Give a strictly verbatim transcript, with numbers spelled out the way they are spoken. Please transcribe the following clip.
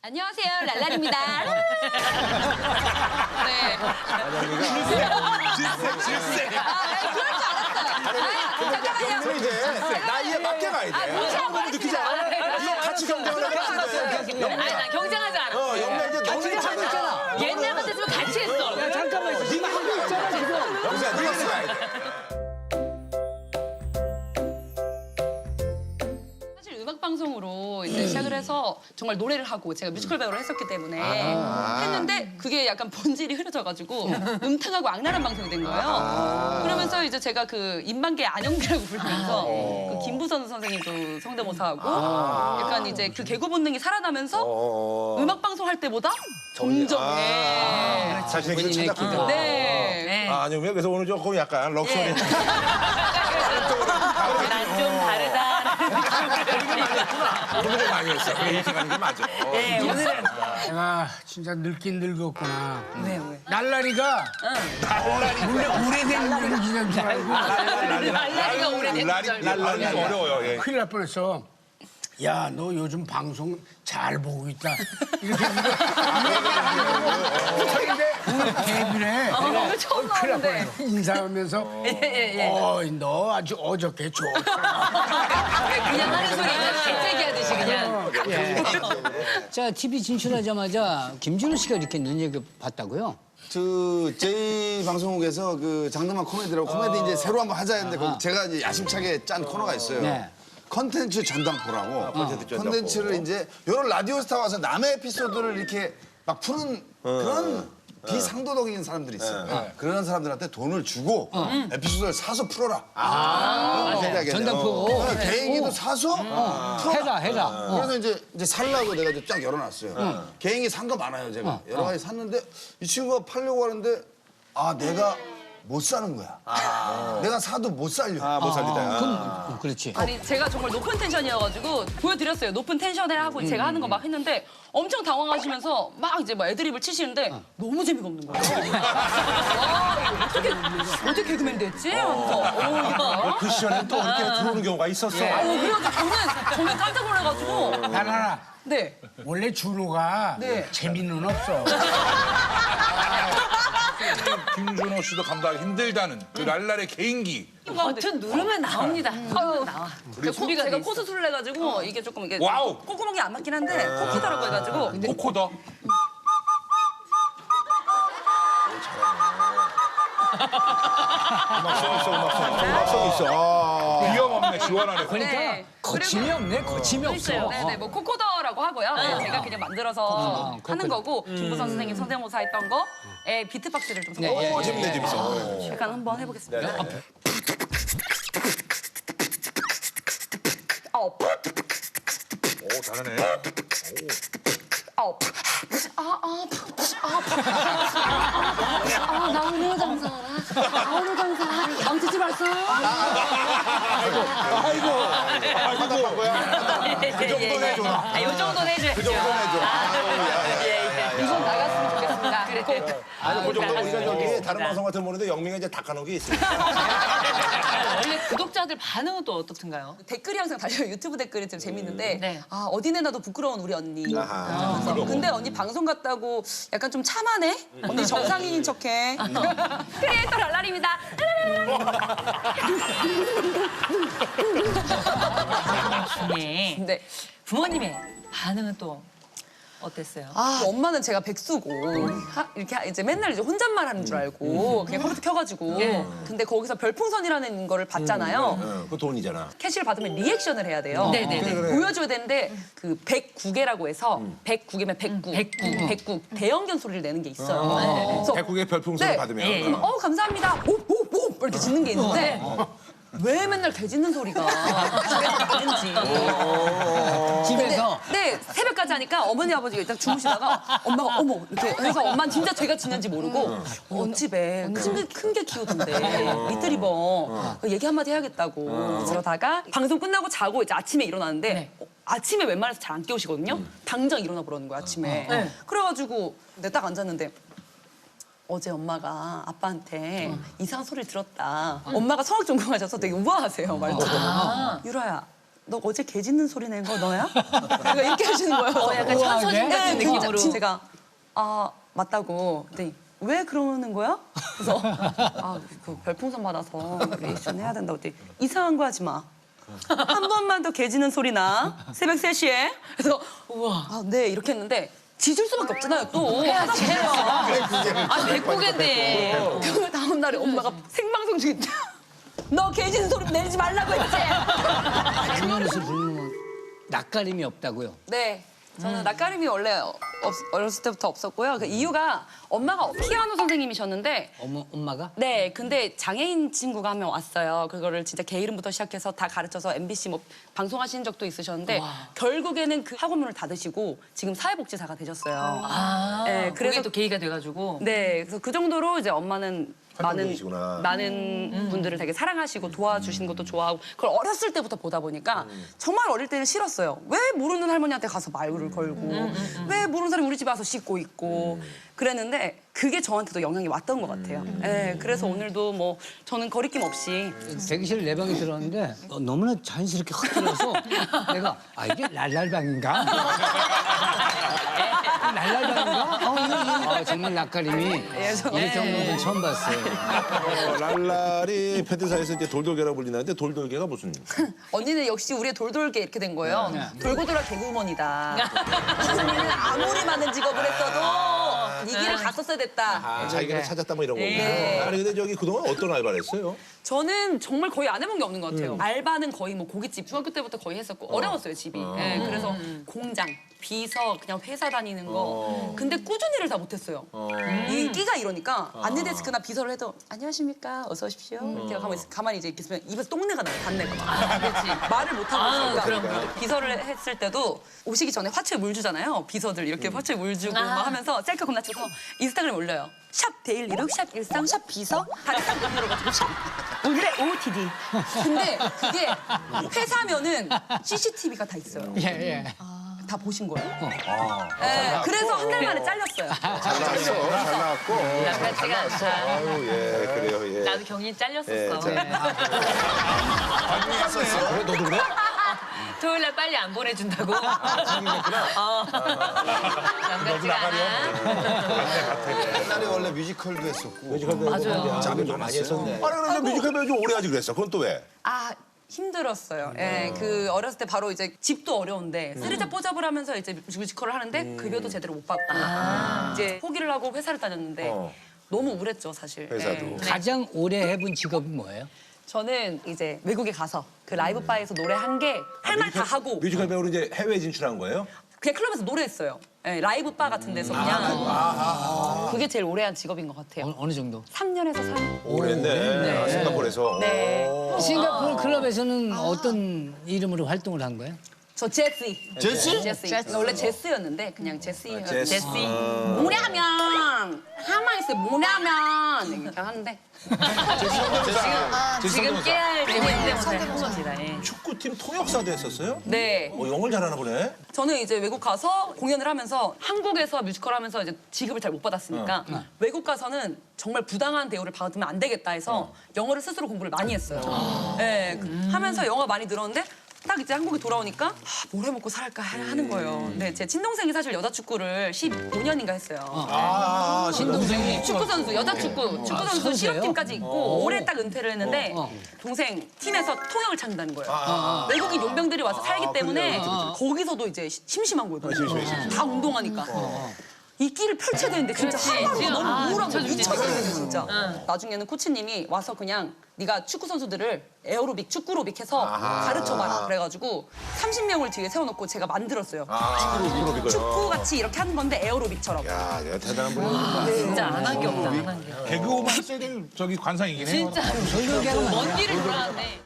안녕하세요, 랄랄입니다. 네. 질색, 질색. 아, 네, 그럴 줄 알았어요. 아, 잠깐만요. 이제 나이에 맞게 가야 돼. 아, 무시하고 너무 느끼지 않아? 이거 같이 경쟁을 해봤는데. 아니, 난 경쟁하지 않아. 어, 영매 이제 너는 있잖아. 옛날 같았으면 같이 했어. 야, 잠깐만 있어. 네가 하고 있잖아, 지금. 영수야, 네가 쓰야 돼. 사실 음악 방송으로 이제 시작을 해서 정말 노래를 하고 제가 뮤지컬 배우를 했었기 때문에 했는데 그게 약간 본질이 흐려져가지고 음탕하고 악랄한 방송이 된 거예요. 그러면서 이제 제가 그 인방계 안영미라고 부르면서 그 김부선 선생님도 성대모사하고 약간 이제 그 개그 본능이 살아나면서 음악 방송 할 때보다 점점 예. 자신의 길을 찾았군요. 네. 아, 아니면 그래서 오늘 조금 약간 럭셔리. 난 좀 다르다. 오늘은 많이 했어. 그래, 이렇게 가는 게 맞아. 네, 오늘은 내가 진짜 늙긴 늙었구나. 왜 왜? 날라리가 원래 오래된 연기인 줄 알고 날라리가 오래된 날이, 줄 날이 알고. 어려워요. 예. 큰일 날 뻔했어. 야, 너 요즘 방송 잘 보고 있다. 이렇게 근데 오늘 데뷔를 어, 처음 큰일 날 나오는데. 뻔했어. 인사하면서 예. 어, 너 아주 어저께 좋더라. 그냥 하는 소리 그냥 재채기하듯이 그냥. 자, 티비 진출하자마자 김준호 씨가 이렇게 눈여겨봤다고요? 그 제이 방송국에서 그 장르만 코미디라고 코미디 이제 새로 한번 하자 했는데 거기 제가 이제 야심차게 짠 코너가 있어요. 네. 컨텐츠 전당포라고. 컨텐츠 전당포. 컨텐츠를 이제 여러 라디오 스타 와서 남의 에피소드를 이렇게 막 푸는 그런 비상도덕인 사람들이 있어요. 그런 사람들한테 돈을 주고 에피소드를 사서 풀어라. 아, 전당포. 개인기도 사서 풀어라. 해라, 해라. 어. 그래서 이제 이제 살라고 내가 이제 쫙 열어놨어요. 개인기 산 거 많아요, 제가. 여러 가지 샀는데 이 친구가 팔려고 하는데 아, 내가 못 사는 거야. 내가 사도 못 살려. 아, 못 살리다. 어, 그렇지. 아니 제가 정말 높은 텐션이어가지고 보여드렸어요. 높은 텐션에 하고 제가 하는 거 막 했는데 엄청 당황하시면서 막 이제 뭐 애드립을 치시는데 너무 재미가 없는 거예요. 와, 어떻게 어떻게 개그맨 됐지? 하면서 어, 야. 그 시절에 또 이렇게 들어오는 경우가 있었어. 아유, 그래가지고 저는 저는 깜짝 놀라가지고 난 하나. 네. 원래 준호가 네. 재미는 없어. 김준호 씨도 감당하기 힘들다는 그 랄랄의 개인기. 버튼 누르면 나옵니다. 아유, 나와. 제가, 제가 코 수술을 해가지고 이게 조금 이게 와우. 콧구멍이 안 맞긴 한데 코키더라고 해가지고 코코더. 음악성 있어, 음악성. 음악성 있어. 아. 비염 없네, 시원하네. 그러니까 네. 거침이 없네, 거침이 없어. 네네, 뭐 코코더라고 하고요. 네, 제가 그냥 만들어서 하는 거고 김부선 선생님 성대모사 했던 거에 비트박스를 좀 섞어. 오, 재밌네, 재밌어. 약간 한번 해보겠습니다. 어, 오, 잘하네. 어, 아, 아, 아, 아, 나 오늘 장사 알아? 나 오늘 장사 망치지 말어. 아이고. 아이고. 그 정도는 해줘. 아, 요 정도는 해줘야죠. 그 정도는 해줘. 이건 나갔으면 좋겠습니다. 그래. 아니, 그 정도 우리가 저기 다른 방송 같은 거 보는데 영민이가 이제 닦아놓은 게 있으니까. 원래 구독자들 반응은 또 어떻든가요? 댓글이 항상 달려요. 유튜브 댓글이 좀 재밌는데 네. 아 어디 내놔도 부끄러운 우리 언니. 아하. 그래서 근데 언니 방송 갔다고 약간 좀 참하네? 언니 정상인인 척해. 크리에이터 랄랄입니다. 네. 근데 부모님의 반응은 또 어땠어요? 아, 엄마는 제가 백수고 하- 이렇게 하- 이제 맨날 이제 혼잣말 하는 줄 알고 그냥 컴퓨터 켜가지고 근데 거기서 별풍선이라는 거를 받잖아요. 그 돈이잖아. 캐시를 받으면 리액션을 해야 돼요. 네네네. 보여줘야 되는데 그 백구 개라고 해서 백구 개면 백구, 백구. 백구 대형견 소리를 내는 게 있어요. 그래서 백국의 별풍선을 네. 받으면. 예, 예. 어 감사합니다. 오오오 이렇게 짖는 게 있는데 왜 맨날 개 짖는 소리가 집에서 나는지. 집에서. 네 새벽까지 하니까 어머니 아버지가 일단 주무시다가 엄마가 어머 이렇게 해서 엄마는 진짜 제가 짖는지 모르고 언 집에 큰 게 키우던데 리트리버 얘기 한마디 해야겠다고 그러다가 방송 끝나고 자고 이제 아침에 일어나는데 네. 어, 아침에 웬만해서 잘 안 깨우시거든요. 당장 일어나 보라는 거야 아침에. 그래가지고 근데 딱 앉았는데 어제 엄마가 아빠한테 이상한 소리를 들었다. 엄마가 성악 전공하셔서 되게 우아하세요, 말투도. 유라야, 너 어제 개 짖는 소리 낸 거 너야? 제가 이렇게 하시는 거예요. 어, 약간 천서진 같은 네, 진짜. 느낌으로. 제가 아 맞다고. 네. 왜 그러는 거야? 그래서 아, 그 별풍선 받아서 리액션 해야 된다고 했더니 이상한 거 하지 마. 한 번만 더 개짖는 소리 나. 새벽 세 시에. 그래서 우와. 아, 네 이렇게 했는데 짖을 수밖에 없잖아요. 또 해야지, 해요. 아, 아, 백고개인데. 그 다음 날에 엄마가 생방송 중에 너 개짖는 소리 내지 말라고 했지. 강연에서 부르는 낯가림이 없다고요. 네. 저는 낯가림이 원래 없, 어렸을 때부터 없었고요. 그 이유가 엄마가 피아노 선생님이셨는데 어머, 엄마가? 네, 근데 장애인 친구가 한 명 왔어요. 그거를 진짜 개 이름부터 시작해서 다 가르쳐서 엠비씨 뭐 방송하신 적도 있으셨는데 결국에는 그 학원문을 닫으시고 지금 사회복지사가 되셨어요. 아, 네, 그래서 그래서 또 계기가 돼가지고. 네, 그래서 그 정도로 이제 엄마는 많은 활동적이시구나. 많은 분들을 되게 사랑하시고 도와주시는 것도 좋아하고 그걸 어렸을 때부터 보다 보니까 정말 어릴 때는 싫었어요. 왜 모르는 할머니한테 가서 말을 걸고 왜 모르는 사람이 우리 집에 와서 씻고 있고 그랬는데 그게 저한테도 영향이 왔던 것 같아요. 네, 그래서 오늘도 뭐 저는 거리낌 없이 대기실 내 방에 들어왔는데 어, 너무나 자연스럽게 확 들어서 내가 아 이게 랄랄방인가? 랄랄방인가? 어, 이거, 이거. 아, 정말 낯가림이 이렇게 없는 분 처음 봤어요. 어, 랄랄이 팬트사에서 이제 돌돌개라고 불리는데 돌돌개가 무슨? 언니는 역시 우리의 돌돌개 이렇게 된 거예요. 돌고 돌아 개그우먼이다. 언니는 아무리 많은 직업을 했어도 이 길을 갔었어야 됐다. 아, 자기가 찾았다 뭐 이런 거구나. 네. 아니 근데 저기 그동안 어떤 알바를 했어요? 저는 정말 거의 안 해본 게 없는 것 같아요. 알바는 거의 뭐 고깃집 중학교 때부터 거의 했었고 어. 려웠어요 집이. 네, 그래서 공장, 비서, 그냥 회사 다니는 거. 근데 꾸준히를 다 못했어요. 이 끼가 이러니까 안내데스크나 비서를 해도 안녕하십니까, 어서 오십시오. 이렇게 가만히, 있- 가만히 이제 이렇게 있으면 입에서 똥내가 나요, 단내가 막. 그렇지. 말을 못 하고 있으니까. 비서를 했을 때도 오시기 전에 화초에 물 주잖아요. 비서들 이렇게 화초에 물 주고 막 하면서 셀카 겁나 찍어서 인스타그램에 올려요. 샵 데일리룩, 샵 일상, 샵 비서 다들 딱 만들어가지고 샵 오늘의 오오티디. 근데 그게 회사면은 씨씨티비가 다 있어요. 예, 예. 다 보신 거예요. 네, 그래서 한 달 만에 잘렸어요. 잘 나왔어. 잘 나왔고. 나쁘지가 않다. 아유 예 그래요 예. 나도 경인 잘렸었어. 예, 자. 그래 너도 그래? 토요일 날 빨리 안 보내준다고. 어. 남같지가 않아. 옛날에 원래 뮤지컬도 했었고. 뮤지컬 배우 맞아요. 잠을 좀 많이 했었네. 아니 그래서 뮤지컬 배우 좀 오래 하지 그랬어. 그건 또 왜? 아 힘들었어요. 예, 그 어렸을 때 바로 이제 집도 어려운데 쓰리자 뽀잡을 하면서 이제 뮤지컬을 하는데 급여도 제대로 못 받고 이제 포기를 하고 회사를 다녔는데 어. 너무 우울했죠 사실. 회사도. 예. 가장 오래 해본 직업이 뭐예요? 저는 이제 외국에 가서 그 라이브 바에서 노래 한 게 할 말 다 하고 뮤지컬 배우로 이제 해외 진출한 거예요? 그냥 클럽에서 노래했어요. 예, 라이브 바 같은 데서 그냥 그게 제일 오래 한 직업인 것 같아요. 어, 어느 정도? 삼 년에서 삼 년. 오래네. 아, 싱가포르에서. 네. 싱가포르 클럽에서는 어떤 이름으로 활동을 한 거예요? 저 제시. 제시? 제시. 원래 제스였는데 그냥 제시. 제시. 제시. 뭐냐면 가만히 있어. 뭐냐면 이렇게 하는데 지금 깨알 재밌는데 못하는 겁니다. 예. 축구팀 통역사도 했었어요? 네. 어, 영어를 잘하나 보네. 저는 이제 외국 가서 공연을 하면서 한국에서 뮤지컬 하면서 이제 지급을 잘 못 받았으니까 외국 가서는 정말 부당한 대우를 받으면 안 되겠다 해서 영어를 스스로 공부를 많이 했어요. 네, 그- 하면서 영어 많이 늘었는데 딱 이제 한국에 돌아오니까 아, 뭘 해먹고 살까 하는 거예요. 네, 제 친동생이 사실 여자 축구를 십오 년인가 했어요. 아, 신동생이 축구 선수, 여자 축구, 축구 선수 선수예요? 실업팀까지 있고 올해 딱 은퇴를 했는데 동생 팀에서 통역을 찾는다는 거예요. 외국인 용병들이 와서 살기 때문에 거기서도 이제 시- 심심한 거예요. 다 운동하니까. 이 끼를 펼쳐야 되는데 진짜 그렇지. 하루하루 지금, 너무 아, 우울한 거예요. 미쳐주지, 미쳐버리는 진짜. 나중에는 코치님이 와서 그냥 네가 축구 선수들을 에어로빅, 축구로빅 해서 가르쳐봐라. 그래가지고 삼십 명을 뒤에 세워놓고 제가 만들었어요. 아, 축구로 이거요. 축구 같이 이렇게 하는 건데 에어로빅처럼. 야, 내가 대단한 분이야. 진짜 안 한 게 없다. 안 한 게. 개그우먼 했어야 될 저기 관상이긴 해요. 진짜 돌돌개가 먼 길을 돌아왔네.